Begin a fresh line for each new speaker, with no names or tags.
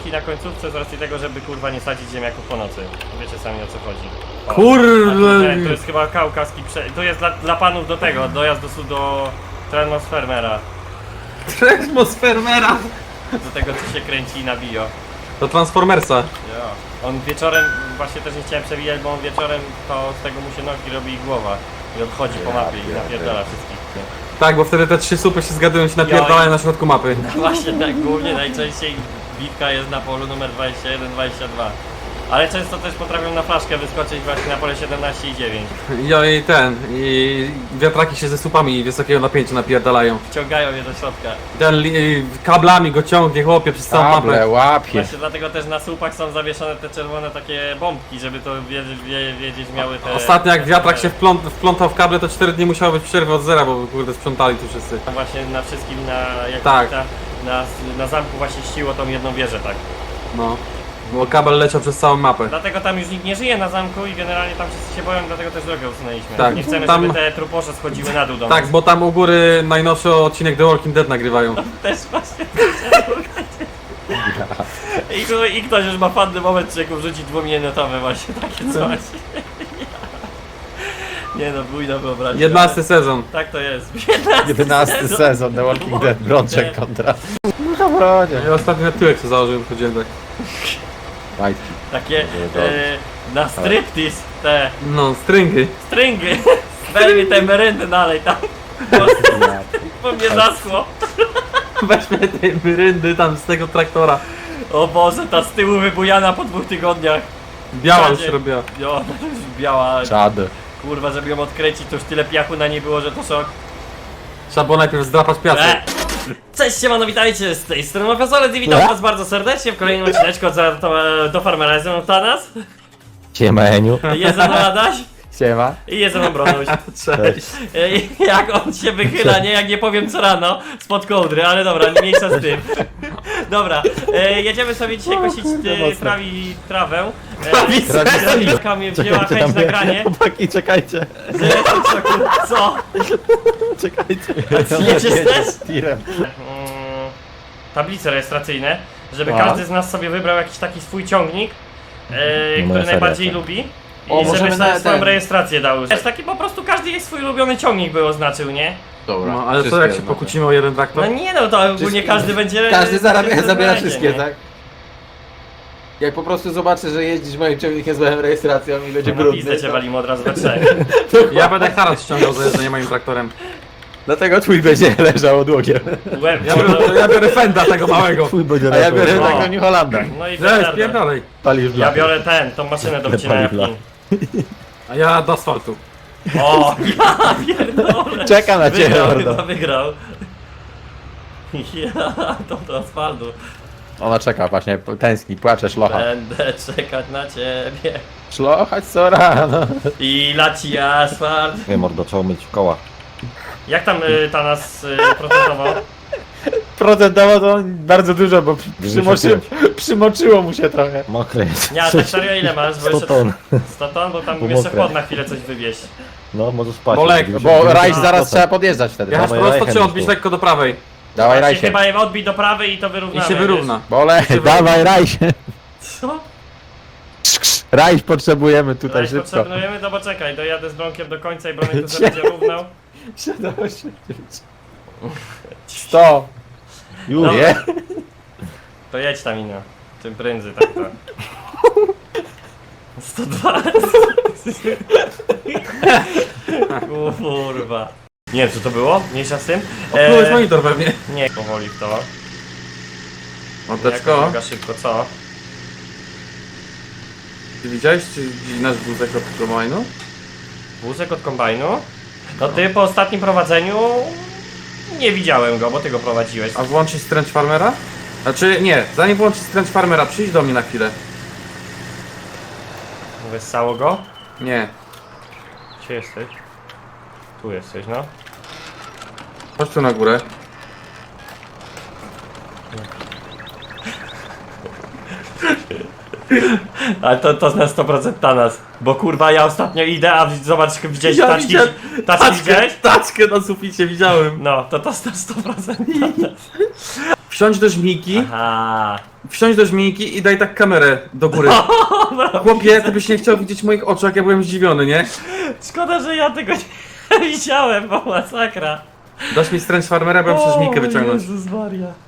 domki na końcówce z racji tego, żeby kurwa nie sadzić ziemniaków po nocy. Wiecie sami o co chodzi. O,
Kurde.
to jest chyba kaukaski to jest dla panów do tego, dojazd do Transfermera.
Atmosfermera.
Do tego co się kręci na bio.
Do Transformersa.
Ja. On wieczorem, właśnie też nie chciałem przewijać, bo on wieczorem to z tego mu się nogi robi i głowa. I odchodzi po mapie i napierdala wszystkich.
Tak, bo wtedy te 3 słupy się zgadują, się napierdalają na środku mapy.
No właśnie tak, głównie najczęściej bitka jest na polu numer 21, 22. Ale często też potrafią na flaszkę wyskoczyć właśnie na pole 17 i 9.
I wiatraki się ze słupami wysokiego napięcia napierdalają.
Wciągają je do środka.
Kablami go ciągnie chłopie przez całą mapę.
Kable, łapie.
Właśnie dlatego też na słupach są zawieszone te czerwone takie bombki, żeby to wiedzieć miały te...
Ostatnio jak wiatrak się wplątał w kable, to 4 dni musiało być przerwy od zera, bo kurde sprzątali tu wszyscy.
Właśnie na wszystkim, jak
Tak.
na zamku właśnie ściło tą jedną wieżę, tak.
No. Bo kabel leciał przez całą mapę.
Dlatego tam już nikt nie żyje na zamku i generalnie tam wszyscy się boją, dlatego też drogę usunęliśmy.
Tak.
Nie chcemy,
Tam-
żeby te truposze schodziły na dół do
Tak,
nas.
bo tam u góry najnowszy odcinek The Walking Dead nagrywają.
Też właśnie. I ktoś już ma fajny moment, czy jak wrzuci 2-minutowe właśnie takie coś. Nie no, bójna wyobraźnia.
11 sezon.
Tak to jest.
11 sezon The Walking Dead, Brączek kontra. No to brodzie.
Ja ostatnio na tyłek co założyłem, chodziłem tak.
Majtki.
Takie na striptease te
No, stringy.
stringy. Daj mi te meryndy dalej tam. Bo mnie zaschło.
Weźmy tej myryndy tam z tego traktora.
O Boże, ta z tyłu wybujana po 2 tygodniach.
Biała już
Czadzie.
się robiła.
Jo, ona już biała.
Czad.
Kurwa, żeby ją odkręcić, to już tyle piachu na niej było, że to szok.
Trzeba było najpierw zdrapać piasek.
Cześć, siemano, witajcie z tej strony Mafiosolec i witam was bardzo serdecznie w kolejnym odcineczku do Farmera. Jest ze mną Tanas,
Siema Eniu.
jest ze mną Adaś
Siema.
i jest ze mną Bronuś.
Cześć.
Jak on się wychyla, nie? Jak nie powiem co rano, spod kołdry, ale dobra, nie mniejsza z tym. Dobra, jedziemy sobie dzisiaj kosić trawę. Trawiska mnie wzięła chęć nagranie.
Chłopaki, czekajcie.
Co?
Czekajcie.
Jedziesz też?
Tirem.
Tablice rejestracyjne, żeby
A.
każdy z nas sobie wybrał jakiś taki swój ciągnik, który
seria,
najbardziej
tak.
lubi.
O,
I żeby
możemy
sobie
na
swoją
ten.
rejestrację dał. Jest taki po prostu każdy jej swój ulubiony ciągnik by oznaczył, nie?
Dobra.
No, ale co jak się pokłócimy o jeden traktor?
No nie no, to ogólnie
Wszystkie-
każdy będzie...
Każdy zabiera
będzie,
wszystkie,
nie?
tak? Jak po prostu zobaczy, że jeździsz moim ciągnikiem z moją rejestracją i będzie
No
brudny,
pizdę cię
to...
walimy od razu we trzech.
Ja będę Haras ściągał za jeżdżenie moim traktorem.
Dlatego twój będzie leżał odłogiem.
Łeb,
Ja biorę Fenda tego małego.
Twój będzie
A ja biorę
O.
taką New Hollanda.
no i
Cześć,
tak
pierdolej.
Palisz
Ja biorę tą maszynę do wcinania
Paliwla.
pin.
A ja do asfaltu.
O, ja pierdolę.
Czeka na ciebie,
Wygrał,
mordo.
chyba wygrał. Ja, to do asfaltu.
Ona czeka właśnie, tęskni, płacze, szlocha.
Będę czekać na ciebie.
Szlochać co rano.
I laci asfalt.
Nie mordo, trzeba myć koła.
Jak tam Tanas protestował?
Procentowo to bardzo dużo, bo
Wyszedłem.
przymoczyło mu się trochę.
Mokre jest.
Nie, a tak serio ile masz? Bo
100 ton.
100 ton, bo tam
Bo
jeszcze
mokre.
chłod na chwilę coś wywieźć.
No, możesz spać.
Bolek,
Bo rajś zaraz trzeba podjeżdżać wtedy.
Jechasz
Dawaj,
prosto
rajchem
czy odbić
tu.
lekko do prawej?
Dawaj
Właśnie
rajsie.
chyba je odbij do prawej i to
I
wyrównamy.
się wyrówna.
Bolek,
Dawaj rajsie.
Wiesz? Co?
rajś potrzebujemy tutaj
Rajś
szybko.
potrzebujemy, no bo czekaj, dojadę z Bronkiem do końca i Bronek to sobie będzie równał.
100.
Już.
Dobra.
Nie?
To jedź tam ino. Tym prędzej tak to. 102. Kurwa. Nie wiem co to było? Mniejsza z tym?
Oplułeś monitor pewnie.
Nie, powoli w to. Jaka
Mordeczko,
droga szybko, co?
ty widziałeś czy nasz wózek od kombajnu?
Wózek od kombajnu? No ty po ostatnim prowadzeniu nie widziałem go, bo ty go prowadziłeś.
A włączyć Strange Farmera? Znaczy nie, zanim włączyć Strange Farmera, przyjdź do mnie na chwilę.
Wessało go?
Nie,
Gdzie jesteś? Tu jesteś, no.
chodź tu na górę.
Ale to na 100% Tanas. Bo kurwa ja ostatnio idę, a zobacz, widziałeś
Ja
taczki?
widziałem
Taczki widziałeś?
Taczkę na suficie widziałem.
No, to na 100% Tanas.
Wsiądź do żmijki
Aha.
wsiądź do żmijki i daj tak kamerę do góry. Chłopie, ty byś nie chciał widzieć moich oczu, jak ja byłem zdziwiony, nie?
Szkoda, że ja tego nie widziałem, bo masakra.
Dasz mi stręcz farmera, bo ja muszę żmijkę wyciągnąć.
Jezus Maria.